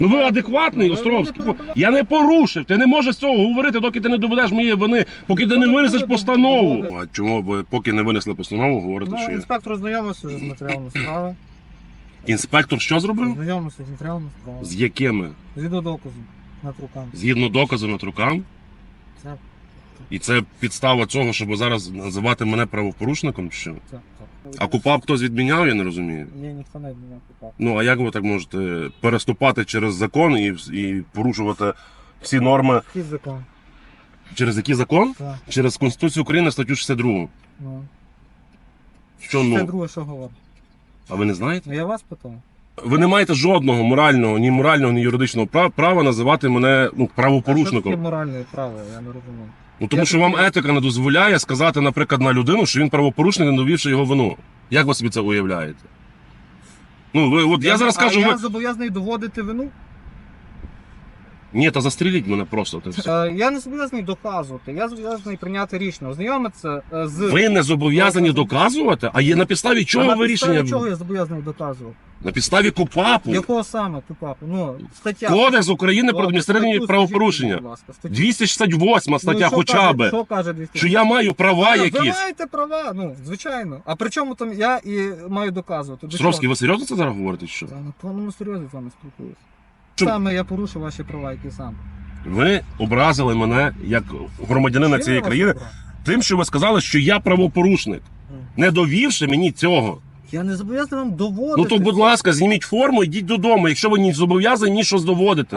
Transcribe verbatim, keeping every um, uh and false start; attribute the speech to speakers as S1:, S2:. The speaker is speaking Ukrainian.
S1: Ну ви адекватний, Островський? Я не порушив. Ти не можеш цього говорити, доки ти не доведеш моєї вини, поки ти не винесеш постанову. А чому ви поки не винесли постанову, говорите, що
S2: Ну,
S1: є?
S2: інспектор ознайомився вже з матеріалами справи.
S1: Інспектор що зробив?
S2: Ознайомився з матеріалами справи.
S1: З якими?
S2: Згідно доказу над руками.
S1: Згідно доказу над рукам?
S2: Це,
S1: І це підстава цього, щоб зараз називати мене правопорушником, чи що?
S2: це, це.
S1: А КУПАП хтось відміняв, я не розумію.
S2: Ні, ніхто не відміняв КУПАП.
S1: Ну, а як ви так можете переступати через закон і, і порушувати всі норми?
S2: Який закон?
S1: Через який закон?
S2: Так.
S1: Через Конституцію України, статтю шістдесят два.
S2: Ну.
S1: Що
S2: Це
S1: ну?
S2: друге, що говорить?
S1: А ви не знаєте?
S2: Ну, я вас питав.
S1: Ви не маєте жодного морального, ні морального, ні юридичного права, права називати мене ну,
S2: А що
S1: правопорушником.
S2: таке моральне право, я не розумію.
S1: Ну тому
S2: Я
S1: що вам
S2: таки-
S1: етика не дозволяє сказати, наприклад, на людину, що він правопорушник, не довівши його вину. Як ви собі це уявляєте? Ну, ви, от я, зараз
S2: а
S1: кажу,
S2: я
S1: ви...
S2: зобов'язаний доводити вину?
S1: Ні, та застріліть мене просто. Це все.
S2: Е, я не зобов'язаний доказувати, я зобов'язаний прийняти рішення, ознайомитися е, з...
S1: Ви не зобов'язані доказувати, а є на підставі
S2: А
S1: чого
S2: на
S1: ви
S2: підставі
S1: рішення?
S2: чого я зобов'язаний доказувати?
S1: На підставі КУПАПу.
S2: Якого саме КУПАПу? Ну, стаття.
S1: Кодекс України про
S2: Ладно,
S1: адміністративні
S2: статтю
S1: правопорушення.
S2: скажіть, будь ласка, статтю.
S1: двісті шістдесят восьма стаття
S2: Ну, що
S1: хоча
S2: каже-
S1: б.
S2: Що каже двісті?
S1: Що я маю права
S2: Ви
S1: якісь.
S2: маєте права, ну, звичайно. А при чому там я і маю доказувати? До
S1: Стровський,
S2: чого?
S1: ви серйозно це зараз говорите? Що?
S2: Я на повному серйозі з вами спілкуюся.
S1: Чому?
S2: Саме я порушив ваші права, які сам.
S1: Ви образили мене як громадянина
S2: Чим
S1: цієї
S2: я вас
S1: країни
S2: обрав?
S1: тим, що ви сказали, що я правопорушник, не довівши мені цього.
S2: Я не зобов'язаний вам доводити.
S1: Ну то, будь ласка, зніміть форму, йдіть додому, якщо ви не зобов'язані ні щось доводити.